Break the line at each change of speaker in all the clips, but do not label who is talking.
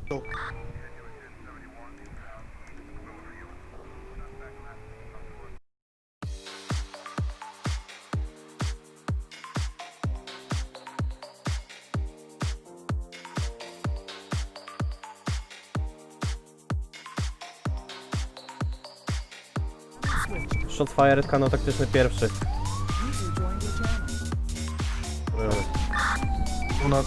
Shotfire, kanał taktyczny pierwszy.
Północ,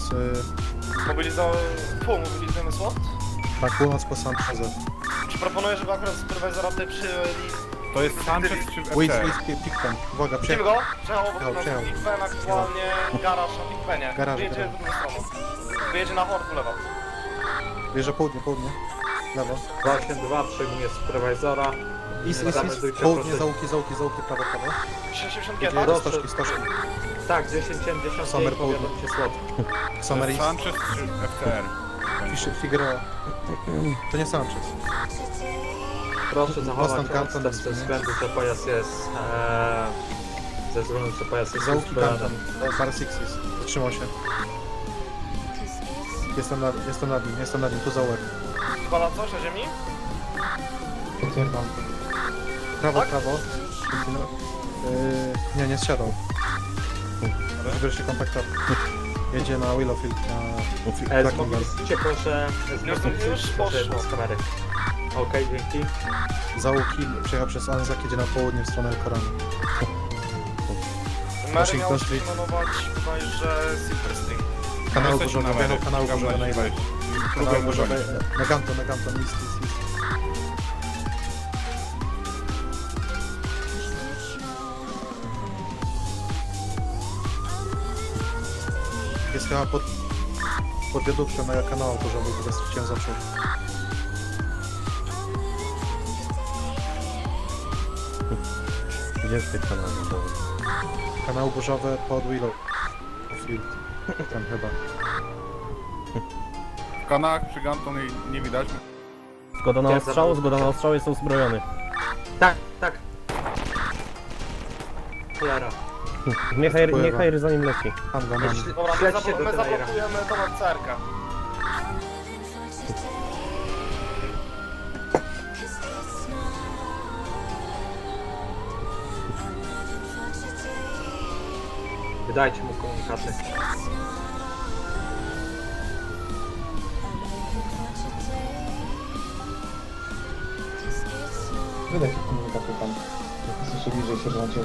Mobilizujemy SWAT?
tak, północ po Sanchezę.
Czy proponuję, żeby akurat supervisora tutaj przyjęli...
To jest Sanchez czy
Wiz,
FT?
Pikpen. Uwaga,
Widzimy go? Przejechał obok nas.
Przejechał.
Pikpen aktualnie garaż na Pikpenie.
Garaż,
Wyjedzie
garaż.
w drugą stronę. Wyjedzie na Horku lewo.
Bierze południe. Lewo.
282 przejmuje supervisora.
Is,
Zameldujcie
południe,
proces.
zaułki, prawo.
60
Jedzie
tak?
stożki.
Tak, 10
Summer
powiadomcie slot.
To
Summer
jest
East,
Sanchez czy FTR?
Figueroa. To nie Sanchez.
Proszę zachować
Boston Canton
odstęp ze względu, że pojazd jest... ze względu, że pojazd jest
Zaułki
uzbrojony.
Canton. Bar Sixes. Zatrzymał się. Jestem nad nim, tu zaułek.
Bala coś na ziemi?
Potwierdzam. Prawo. Nie zsiadał. Żeby się kontaktował. Jedzie na Willowfield, na
Zmobilizujcie proszę...
Już poszło.
z kamery. Okej, dzięki.
Załuki przyjechał przez Anzak, jedzie na południe w stronę El Koranu.
Mary
Washington
miał
Street.
pilnować bodajże Silver Spring.
Kanał
Jesteśmy
burzowy,
na
wjechał
Mary.
kanał
Szukam
burzowy na
na
ile.
wejść.
Kanał burzowy, na Ganton, list. Jest chyba pod wiaduktą na kanał burzowy, teraz chciałem zacząć.
Gdzie jest ten kanał?
Kanał burzowy pod Willow Field. Tam chyba.
W kanałach przy Ganton jej nie widać.
Zgoda na ostrzał, jest uzbrojony.
Tak. Cholera.
Niech Heiry za nim leci.
Tam go mam.
Dobra,
Śledźcie do
my
Tenera.
zablokujemy to na cerkę.
Wydajcie mu komunikaty.
Wydaj się komunikaty pan. Słyszę bliżej sierżancie.